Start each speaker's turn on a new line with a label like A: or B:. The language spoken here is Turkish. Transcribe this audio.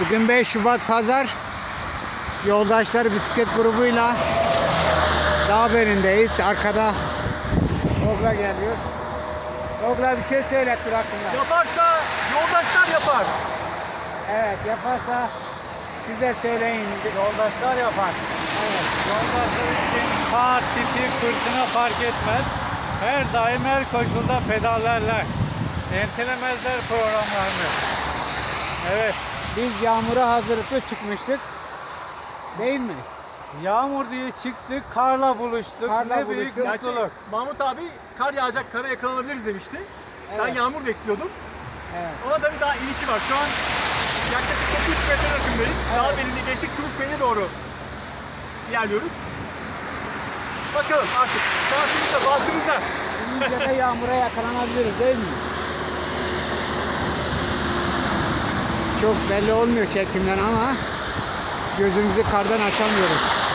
A: Bugün 5 Şubat Pazar. Yoldaşlar bisiklet grubuyla Dağberi'ndeyiz. Arkada Ogla geliyor. Ogla bir şey söyle tur hakkında.
B: Yaparsa yoldaşlar yapar.
A: Evet, yaparsa size söyleyin.
B: Yoldaşlar yapar.
A: Evet.
C: Yoldaşlar için kar, tipi, fırtına fark etmez. Her daim her koşulda pedallerler. Ertelemezler programlarını. Evet.
A: Biz yağmura hazırlıklı çıkmıştık. Değil mi?
C: Yağmur diye çıktık, karla buluştuk.
A: Karla
C: ne büyük
A: buluştuk.
B: Gerçi
C: mutluluk.
B: Mahmut abi kar yağacak, kara yakalanabiliriz demişti. Ben
A: Evet.
B: yağmur bekliyordum.
A: Evet.
B: Ona tabii daha inişi var. Şu an yaklaşık 900 metre rakımdayız.
A: Evet.
B: Dağbeli'ni geçtik, Çubukbeyli'ne doğru ilerliyoruz. Bakalım artık şansımıza, bahtımıza.
A: İyice de yağmura yakalanabiliriz değil mi? Çok belli olmuyor çekimden ama gözümüzü kardan açamıyoruz.